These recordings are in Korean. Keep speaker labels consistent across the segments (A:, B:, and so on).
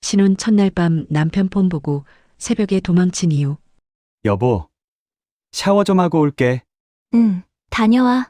A: 신혼 첫날 밤 남편 폰 보고 새벽에 도망친 이유.
B: 여보, 샤워 좀 하고 올게.
C: 응, 다녀와.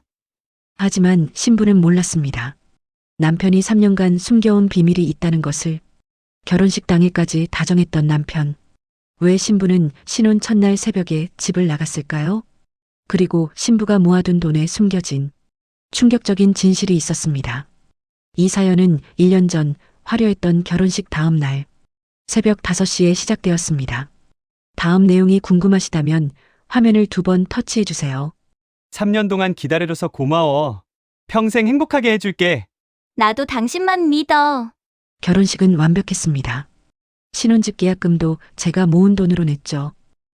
A: 하지만 신부는 몰랐습니다. 남편이 3년간 숨겨온 비밀이 있다는 것을. 결혼식 당일까지 다정했던 남편. 왜 신부는 신혼 첫날 새벽에 집을 나갔을까요? 그리고 신부가 모아둔 돈에 숨겨진 충격적인 진실이 있었습니다. 이 사연은 1년 전 화려했던 결혼식 다음 날 새벽 5시에 시작되었습니다. 다음 내용이 궁금하시다면 화면을 2번 터치해 주세요.
B: 3년 동안 기다려줘서 고마워. 평생 행복하게 해줄게.
C: 나도 당신만 믿어.
A: 결혼식은 완벽했습니다. 신혼집 계약금도 제가 모은 돈으로 냈죠.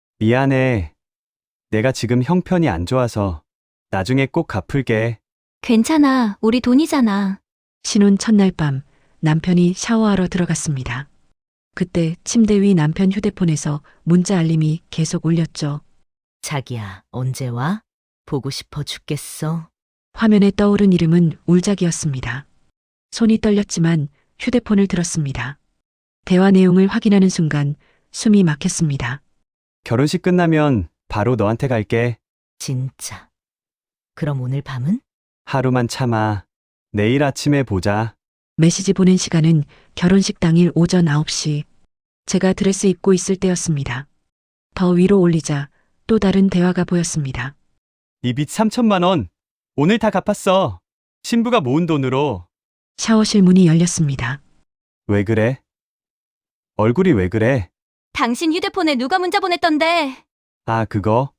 B: 미안해. 내가 지금 형편이 안 좋아서 나중에 꼭 갚을게.
C: 괜찮아. 우리 돈이잖아.
A: 신혼 첫날 밤 남편이 샤워하러 들어갔습니다. 그때 침대 위 남편 휴대폰에서 문자 알림이 계속 울렸죠.
D: 자기야, 언제 와? 보고 싶어 죽겠어.
A: 화면에 떠오른 이름은 울작이었습니다. 손이 떨렸지만 휴대폰을 들었습니다. 대화 내용을 확인하는 순간 숨이 막혔습니다.
B: 결혼식 끝나면 바로 너한테 갈게.
D: 진짜. 그럼 오늘 밤은?
B: 하루만 참아. 내일 아침에 보자.
A: 메시지 보낸 시간은 결혼식 당일 오전 9시. 제가 드레스 입고 있을 때였습니다. 더 위로 올리자 또 다른 대화가 보였습니다.
B: 이 빚 3천만 원. 오늘 다 갚았어. 신부가 모은 돈으로.
A: 샤워실 문이 열렸습니다.
B: 왜 그래? 얼굴이 왜 그래?
C: 당신 휴대폰에 누가 문자 보냈던데?
B: 아, 그거?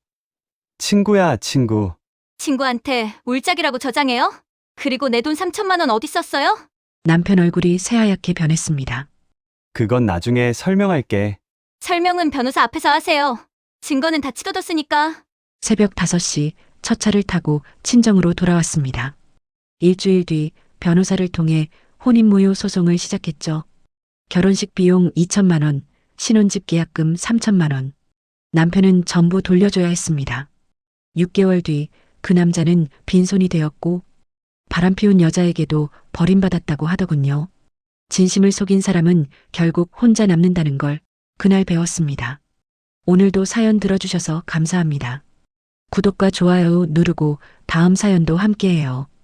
B: 친구야, 친구.
C: 친구한테 울짝이라고 저장해요? 그리고 내 돈 3천만 원 어디 썼어요?
A: 남편 얼굴이 새하얗게 변했습니다.
B: 그건 나중에 설명할게.
C: 설명은 변호사 앞에서 하세요. 증거는 다 치워뒀으니까.
A: 새벽 5시 첫 차를 타고 친정으로 돌아왔습니다. 일주일 뒤 변호사를 통해 혼인무효 소송을 시작했죠. 결혼식 비용 2천만 원, 신혼집 계약금 3천만 원. 남편은 전부 돌려줘야 했습니다. 6개월 뒤 그 남자는 빈손이 되었고 바람피운 여자에게도 버림받았다고 하더군요. 진심을 속인 사람은 결국 혼자 남는다는 걸 그날 배웠습니다. 오늘도 사연 들어주셔서 감사합니다. 구독과 좋아요 누르고 다음 사연도 함께해요.